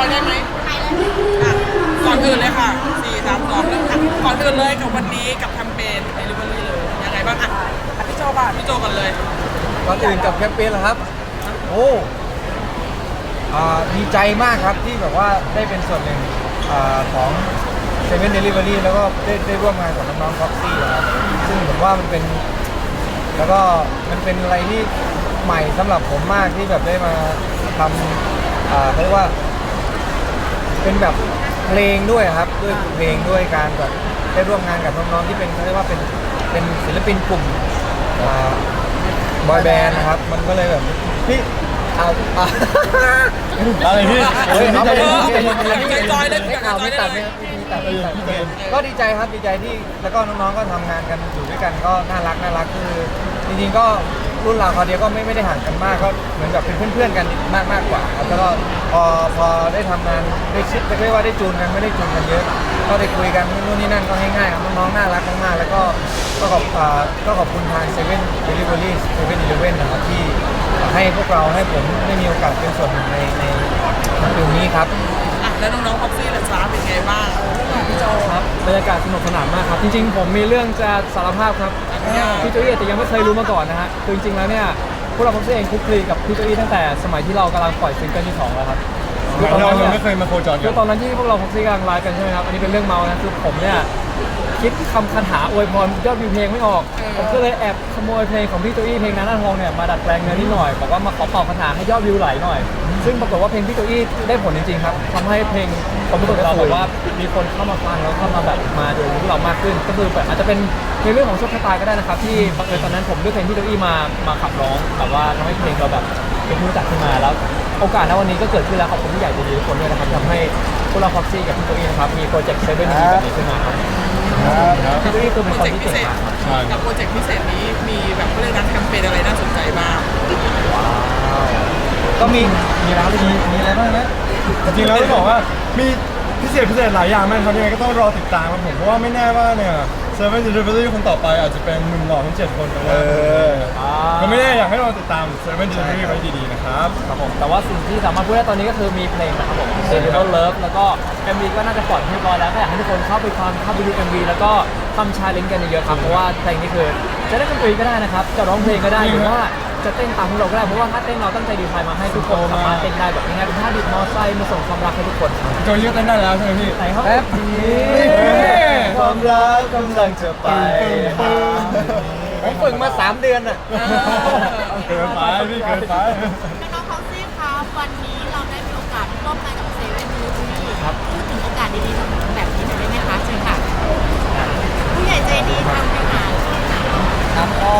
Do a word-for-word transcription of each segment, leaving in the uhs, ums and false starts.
อยได้ไหมอ่ะก่อนอื่นเลยค่ะสี่สามสองเริ่มค่ะก่อนอื่นเลยกับวันนี้กับแคมเปญเดลิเวอรี่เลยยังไงบ้างอ่ะอ่ะพี่โจก่อนพี่โจก่อนเลยก่อนอื่นกับแคมเปญเหรอครับโอ้อ่าดีใจมากครับที่แบบว่าได้เป็นส่วนหนึ่งอาของเซเว่นเดลิเวอรี่แล้วก็ได้ได้ร่วมงานกับน้องๆฟ็อกซี่ครับซึ่งผมว่ามันเป็นแล้วก็มันเป็นอะไรที่ใหม่สำหรับผมมากที่แบบได้มาทำอ่าเขาเรียกว่าเป็นแบบเพลงด้วยครับด้วยเพลงด้วยการแบบได้ร่วมงานกับน้องๆที่เป็นเขาเรียกว่าเป็นเป็นศิลปินกลุ่มบอยแบนด์นะครับมันก็เลยแบบพี่เอาเอาอะไรพี่เฮ้ยเอาไปเลยใจจอยเลยไม่เอาไม่ตัดไม่ไม่ตัดไม่ตัดก็ดีใจครับดีใจที่แล้วก็น้องๆก็ทำงานกันอยู่ด้วยกันก็น่ารักน่ารักคือจริงๆก็รุ่นราวคราวเดียวก็ไม่ไม่ได้ห่างกันมากก็เหมือนแบบเป็นเพื่อนๆกันมากมากกว่าครับแล้วก็พอพอได้ทำงานได้ชิดเรียกว่าได้จูนกันไม่ได้จูนกันเยอะก็ได้คุยกันนู่นนี่นั่นก็ง่ายๆครับน้องๆน่ารักมากๆแล้วก็ก็ขอบก็ขอบคุณทางเซเว่นเดลิเวอรี่เซเว่นอีเลฟเว่นนะครับที่ให้พวกเราให้ผมได้มีโอกาสเป็นส่วนหนึ่งในในปีนี้ครับอ่ะแล้วน้องๆพ็อกซี่และจ้าเป็นไงบ้างพี่โจครับบรรยากาศสนุกสนานมากครับจริงๆผมมีเรื่องจะสารภาพครับพี่โจอี้แต่ยังไม่เคยรู้มาก่อนนะฮะคือจริงๆแล้วเนี่ยพวกเราพ็อกซี่เองคลุกคลีกับพี่โจอี้ตั้งแต่สมัยที่เรากำลังปล่อยซิงเกิลที่สองแล้วครับเรายังไม่เคยมาโคจรกันคือตอนนั้นที่พวกเราพ็อกซี่กำลังไลฟ์กันใช่ไหมครับอันนี้เป็นเรื่องเมานะคือผมเนี่ยคิดคำคาถาอวยพรยอดวิวเพลงไม่ออกผมก็เลยแอบขโมยเพลงของพี่โจอี้เพลงนั้นหน้าทองเนี่ยมาดัดแปลงเนื้อนิดหน่อยบอกว่ามาขอเป่าคาถาให้ยอดวิวไหลหน่อยซึ่งปรากฏว่าเพลงพี่โจอี้ได้ผลจริงๆครับทำให้เพลงผมรู้สึกเราแบบว่ามีคนเข้ามาฟังแล้วเข้ามาแบบมาดูพวกเรามากขึ้นก็คือแบบอาจจะเป็นในเรื่องของโชคชะตาก็ได้นะครับที่บังเอิญตอนนั้นผมเลือกเพลงพี่โจอี้มามาขับร้องแบบว่าทำให้เพลงเราแบบเป็นที่รู้จักขึ้นมาแล้วโอกาสณวันนี้ก็เกิดขึ้นแล้วขอบคุณผู้ใหญ่ใจดีทุกคนด้วยนะครับทำให้พวกเราพ็อกซี่กับพี่โจอี้นะครับมีโปรเจกต์เซเว่นดีแบบนี้ขึ้นมาครับพี่โจอี้คือเป็นคนที่เก่งมากกับโปรเจกต์พิเศษนี้มีแบบเรื่องการแคมเปญอะไรน่าสนใจบ้างก็มีมีร้านมีมีอะไรบ้างนะจริงๆแล้วต้องบอกว่ามีพิเศษพิเศษหลายอย่างมากครับยังไงก็ต้องรอติดตามครับผมเพราะว่าไม่แน่ว่าเนี่ยเซเว่นเดลิเวอรี่คนต่อไปอาจจะเป็นหนุ่มหล่อทั้งเจ็ดคนก็ได้ก็ไม่แน่อยากให้เราติดตามเซเว่นเดลิเวอรี่ไว้ดีๆนะครับครับผมแต่ว่าสิ่งที่สามารถพูดได้ตอนนี้ก็คือมีเพลงนะครับผม Serial Love แล้วก็ เอ็ม วี ก็น่าจะปล่อยเรียบร้อยแล้วก็อยากให้ทุกคนเข้าไปฟังเข้าไปดู เอ็ม วี แล้วก็ทำชาเลนจ์กันเยอะๆครับเพราะว่าเพลงนี้คือจะได้ดนตรีก็ได้นะครับจะร้องเพลงก็ได้หรือว่าจะเต้นตามพวกเราก็ได้เพราะว่าถ้าเต้นเราตั้งใจดีไซน์มาให้ทุกคนสามารถเต้นได้แบบง่ายๆเป็นท่าดิบมอไซค์มาส่งความรักให้ทุกคนโจยเต้นได้แล้วใช่ไหมพี่ไหนครับแป๊บความรักกำลังจะไปผมฝึกมาสามเดือนอ่ะเกินไปพี่เกินไปน้องๆพ็อกซี่ครับวันนี้เราได้มีโอกาสร่วมงานกับเซเว่นดีพูดถึงโอกาสดีๆแบบนี้หน่อยได้ไหมคะเชิญค่ะผู้ใหญ่ใจดีทำให้หาครับก็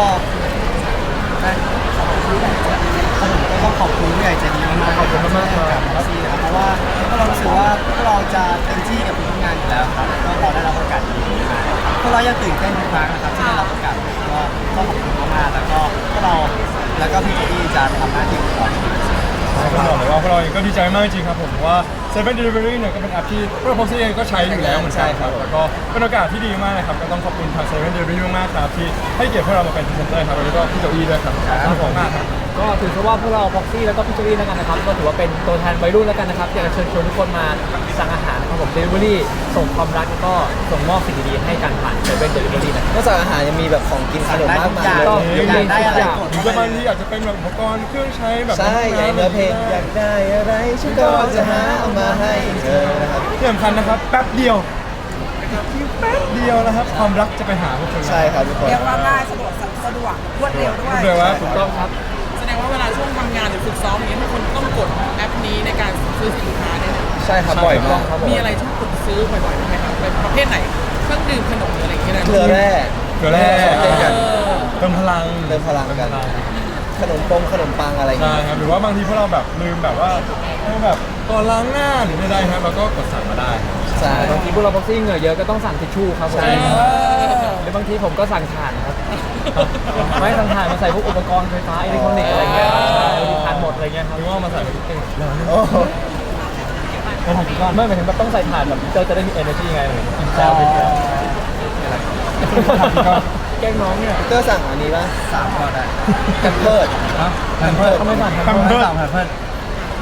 ก็ขอบคุณผู้ใหญ่ใจดีมากๆขอบคุณมากๆครับซีครับเพราะว่าพวกเรารู้สึกว่าพวกเราจะเต็มที่กับทุกงานอยู่แล้วครับก็พอได้รับโอกาสดีๆมาพวกเรายังตื่นเต้นทุกครั้งนะครับที่ได้รับโอกาสก็ก็ขอบคุณมากๆแล้วก็พวกเราแล้วก็พี่เจดี้จะทำหน้าที่ของเราก็บอกเลยว่าพวกเราเองก็ดีใจมากจริงครับผมว่า เซเว่น Delivery เนี่ยก็เป็นแอปที่พวกเราพ็อกซี่เองก็ใช้อยู่แล้วเหมือนกันครับแล้วก็เป็นโอกาสที่ดีมากนะครับก็ต้องขอบคุณทาง เซเว่น Delivery มากๆครับที่ให้เกียรติพวกเรามาเป็นพรีเซนเตอร์ครับแล้วก็พี่โจอี้ด้วยครับขอบคุณมากครับก็ถือว่าพวกเราพ็อกซี่แล้วก็พี่โจอี้แล้วกันนะครับก็ถือว่าเป็นตัวแทนวัยรุ่นแล้วกันนะครับอยากจะเชิญชวนทุกคนมาสั่งอาหารนะครับผม Delivery ส่งความรักแล้วก็ส่งมอบสิ่งดีๆให้กันผ่าน เซเว่น Delivery นะนอกจากอาหารยังมีแบบของกินขนมมากมายอยากได้อะไรหรือบางทีอาจจะเป็นแบบอุปกรณ์เครื่องใช้แบบใช่ใหญ่เนื้อเพลงอยากได้อะไรฉันก็จะหาเอามาให้เธอนะครับที่สำคัญนะครับแป๊บเดียวแป๊บเดียวนะครับความรักจะไปหาทุกคนใช่ครับทุกคนเรียกว่าง่ายสะดวกสะดวกรวดเร็วด้วยเร็วว่าถูกต้องครับแสดงว่าเวลาช่วงทำงานหรือฝึกซ้อมอย่างนี้ทุกคนต้องกดแอปนี้ในการซื้อสินค้าเนี่ยใช่ครับบ่อยมากมีอะไรที่กดซื้อบ่อยๆไหมครับเป็นประเภทไหนเครื่องดื่มขนมหรืออะไรอย่างเงี้ยนะเกลือแร่เกลือแร่เติมพลังเติมพลังกันขนมปงขนมปังอะไรอย่างเงี้ยใช่ครับหรือว่าบางทีพวกเราแบบลืมแบบว่าแบบก่อนล้างหน้าหรือใดๆครับเราก็กดสั่งมาได้ใช่บางทีพวกเราพ็อกซี่เหงื่อเยอะก็ต้องสั่งทิชชู่ครับผมหรือบางทีผมก็สั่งถ่านครับไม่สั่งถ่านมาใส่พวกอุปกรณ์ไฟฟ้าอิเล็กทรอนิกส์อะไรเงี้ยใช่ถ่านหมดอะไรเงี้ยครับหรือว่ามาใส่ในตู้โอ้ไม่ถ่านกี่ก้อนไม่หมายถึงแบบต้องใส่ถ่านแบบเจอจะได้มี energy ไงกินแซวไปเที่ยวแกงน้องเนี่ยก็สั่งอันนี้ป่ะสามก้อนได้แคมเพิร์ดแคมเพิร์ดเขาไม่สั่งแคมเพิร์ดแคมเพิร์ด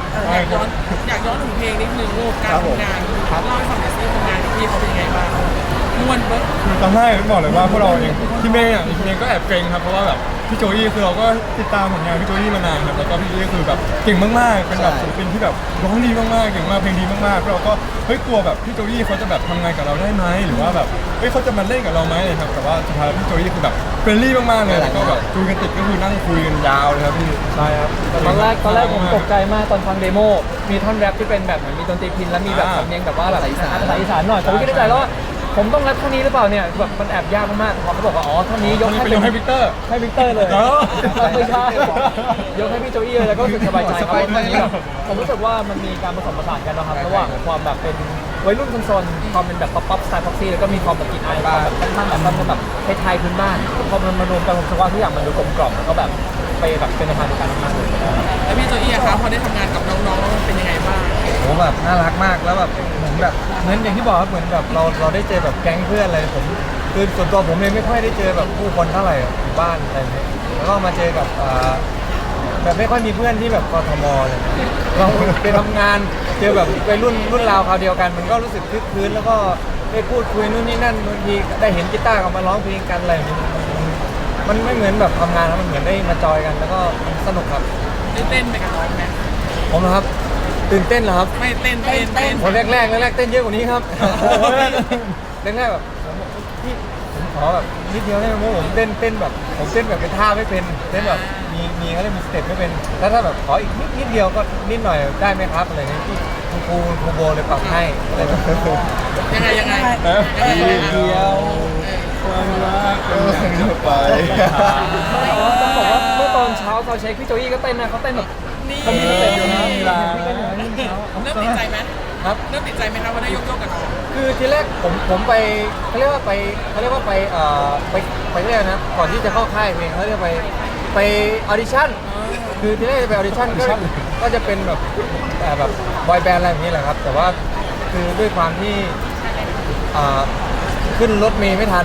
อยากย้อนอยากย้อนถึงเพลงนิดนึงลูกการทำงานเล่าให้ฟังหน่อยสิทำงานกับพี่เขาเป็นยังไงบ้างม่วนเบิ้ลคือตอนแรกบอกเลยว่าพวกเราเองที่เมย์อ่ะเมย์ก็แอบเกรงครับเพราะว่าแบบพี่โจอี้คือเราก็ติดตามผลงานพี่โจอี้มานานครับแล้วก็พี่โจอี้คือแบบเก่งมากๆเป็นแบบศิลปินที่แบบร้องดีมากๆเก่งมากเพลงดีมากๆเราก็เฮ้ยกลัวแบบพี่โจอี้เขาจะแบบทำงานกับเราได้ไหมหรือว่าแบบเฮ้ยเขาจะมาเล่นกับเราไหมครับแต่ว่าสุดท้ายพี่โจอี้คือแบบเฟรนลี่มากๆเลยแล้วก็แบบคุยกันติดก็คือนั่งคุยกันยาวเลยครับพี่ใช่ครับแต่ตอนแรกตอนแรกผมตกใจมากตอนฟังเดโมมีท่อนแรปที่เป็นแบบเหมือนมีดนตรีพินแล้วมีแบบอ่าสำเนียงแบบว่าแบบภาษาอีสานหน่อยผมก็คิดในใจแล้วว่าผมต้องแรปเท่านี้หรือเปล่าเนี่ยแบบมันแอบยากมากๆพอเขาบอกว่าอ๋อเท่านี้ยกให้เป็นยกให้วิกเตอร์ให้วิกเตอร์เลยเออไม่ใช่ยกให้พี่โจอี้เลยแล้วก็รู้สึกสบายใจครับเพราะวันนี้แบบผมรู้สึกว่ามันมีการผสมผสานกันนะครับระหว่างความแบบเป็นวัยรุ่นโซนๆความเป็นแบบป๊อปป๊อปสไตล์พ็อกซี่แล้วก็มีความแบบกลิ่นอายความแบบค่อนข้างแบบแบบไทยๆพื้นบ้านพอมันมารวมกันผมรู้สึกว่าทุกอย่างมันดูกลมกล่อมแล้วก็แบบไปแบบเป็นในทางเดียวกันมากเลยแล้วพี่โจอี้อะคะพอได้ทำงานกับน้องๆเป็นยังไงบ้างโหแบบน่ารักมากแล้วแบบเหมือนแบบเหมือนอย่างที่บอกครับเหมือนแบบเราเราได้เจอแบบแก๊งเพื่อนอะไรผมคือส่วนตัวผมเองไม่ค่อยได้เจอแบบผู้คนเท่าไหร่อยู่บ้านอะไรอย่างเงี้ยแล้วก็มาเจอกับอ่าแบบไม่ค่อยมีเพื่อนที่แบบกทมเลยเราไปทำงานเจอแบบวัยรุ่นรุ่นราวคราวเดียวกัน มันก็รู้สึกคึกคืนแล้วก็ได้พูดคุยนู่นนี่นั่นบางทีได้เห็นกีตาร์กันมาร้องเพลงกันอะไรอย่างเงี้ยมันไม่เหมือนแบบทำงานแล้วมันเหมือนได้มาจอยกันแล้วก็สนุกครับได้เต้นไปกับน้องไหมผมนะครับตื่นเต้นเหรอครับไม่เต้นเต้นเต้นคนแรกแรกแรกๆเต้นเยอะกว่านี้ครับแรกแรกๆแบบผมบอกพี่ผมขอแบบนิดเดียวได้ไหมเพราะผมเต้นเต้นแบบผมเต้นแบบเป็นท่าไม่เป็นเต้นแบบมีมีเขาเรียกมีสเต็ปไม่เป็นแล้วถ้าแบบขออีกนิดนิดเดียวก็นิดหน่อยได้ไหมครับอะไรเงี้ยพี่คุณครูคุณครูโบเลยปรับให้อะไรแบบนี้ยังไงยังไงนะยังไงเดียวความรักเป็นอย่างจะไปต้องบอกว่าเมื่อตอนเช้าตอนเช็คพี่โจอี้ก็เต้นนะเขาเต้นแบบนี่เขามีสเต็ปอยู่นะลีลาพี่เต้นอยู่นะนี่เช้าเริ่มติดใจไหมครับเริ่มติดใจไหมครับว่าได้ยกโยกกับน้องคือทีแรกผมผมไปเขาเรียกว่าไปเขาเรียกว่าไปเอ่อไปไปเรียกนะก่อนที่จะเข้าค่ายเพลงเขาเรียกไปไปออดิชั่นคือทีแรกจะไปออดิชั่นก็ก็จะเป็นแบบแต่แบบบอยแบนด์อะไรแบบนี้แหละครับ แต่ว่าคือด้วยความที่อ่าขึ้นรถเมย์ไม่ทัน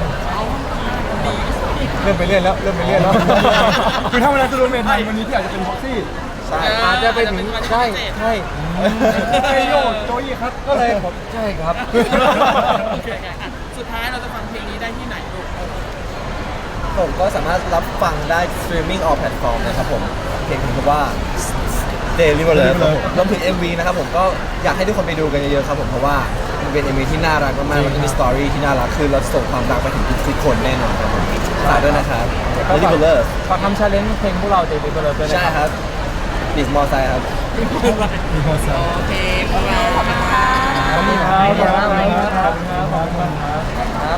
เริ่มไปเรื่อยแล้วเริ่มไปเรื่อยแล้วคือถ้าวันนั้นจะรู้เมทันวันนี้ที่อาจจะเป็นพ็อกซี่ใช่อาจจะไปถึงใช่ใช่ไอโยโจอี้ครับก็เลยผมใช่ครับโอเคอ่ะสุดท้ายเราจะฟังเพลงนี้ได้ที่ไหนลูกผมก็สามารถรับฟังได้ streaming all platform นะครับผมเพลงคือว่า Daily w a l e r ครับผมรวมถึง เอ็ม วี นะครับผมก็อยากให้ทุกคนไปดูกันเยอะๆครับผมเพราะว่ามันเป็น เอ็ม วี ที่น่ารักมากๆมันก็มีสตอรี่ที่น่ารักคือเราส่งความรักไปถึงทุกๆคนแน่นอนครับผมฝากด้วยนะครับ Daily w a l e r ฝากทำชาเลนจ์เพลงพวกเราเดบิวต์ไปเลยด้วยนะใช่ครับครับบิสมอไซค์ครับโอเคขอบคุณค่ะขอบคุณครับขอบคุณครับขอบคุณครับขอบคุณครับครับ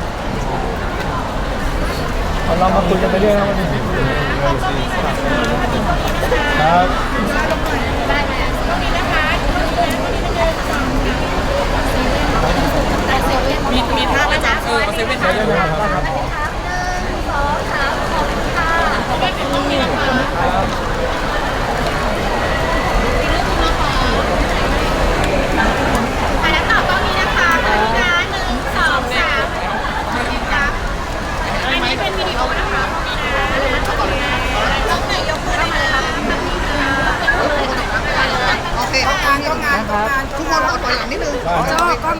เอาเรามาคุยกันไปเรื่อยนะวันนี้ครับได้ไหมตรงนี้นะคะตรงนี้นะคะตรงนี้นะคะมีมีท่าไหมจ๊ะเออเอาเซเว่นได้ไหมครับ